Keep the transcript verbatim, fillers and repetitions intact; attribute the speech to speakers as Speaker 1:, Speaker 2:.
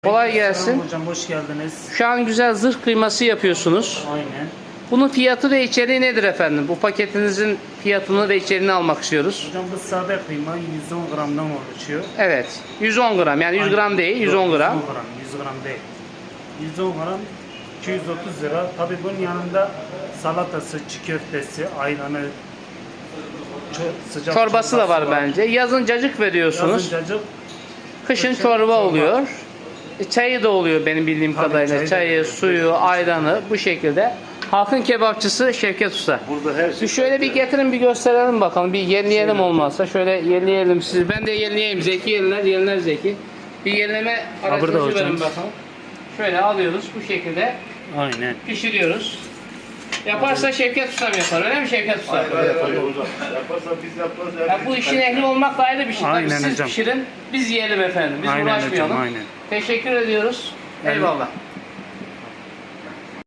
Speaker 1: Kolay gelsin.
Speaker 2: Selam hocam, hoş geldiniz.
Speaker 1: Şu an güzel zırh kıyması yapıyorsunuz.
Speaker 2: Aynen.
Speaker 1: Bunun fiyatı ve içeriği nedir efendim? Bu paketinizin fiyatını ve içeriğini almak istiyoruz.
Speaker 2: Hocam bu sade kıyma yüz on gramdan oluşuyor.
Speaker 1: Evet. yüz on gram, yani yüz gram değil, yüz on gram.
Speaker 2: yüz on gram, yüz gram değil. yüz on gram iki yüz otuz lira. Tabii bunun yanında salatası, çiğ köftesi, ayranı, ço- sıcak
Speaker 1: Çorbası da var bence. Yazın cacık veriyorsunuz.
Speaker 2: Yazın cacık.
Speaker 1: Kışın
Speaker 2: kışın
Speaker 1: çorba
Speaker 2: çorba.
Speaker 1: oluyor. E, Çayı da oluyor benim bildiğim
Speaker 2: Tabii,
Speaker 1: kadarıyla.
Speaker 2: çayı da
Speaker 1: Çayı,
Speaker 2: oluyor.
Speaker 1: suyu, ayranı bu şekilde. Halkın kebapçısı Şevket Usta.
Speaker 3: Burada her şey.
Speaker 1: Bir şöyle bir getirin, bir gösterelim bakalım. Bir yenileyelim olmazsa. Şöyle yenileyelim sizi. Ben de yenileyeyim. Zeki yeniler, yeniler Zeki. Bir yenileme
Speaker 2: burada
Speaker 1: aracınızı
Speaker 2: hocam.
Speaker 1: verin bakalım. Şöyle alıyoruz bu şekilde.
Speaker 2: Aynen.
Speaker 1: Pişiriyoruz. Yaparsa Şevket Usta yapar. Öyle mi Şevket Usta?
Speaker 3: Yapar hocam. Yaparsa biz yaparız.
Speaker 1: Ya bu işin ehli olmak da ayrı bir şey. Tabii
Speaker 2: Aynen
Speaker 1: siz
Speaker 2: hocam.
Speaker 1: pişirin, biz yiyelim efendim. Biz
Speaker 2: Aynen
Speaker 1: uğraşmayalım.
Speaker 2: hocam, aynen.
Speaker 1: Teşekkür ediyoruz.
Speaker 2: Yani-
Speaker 1: Eyvallah.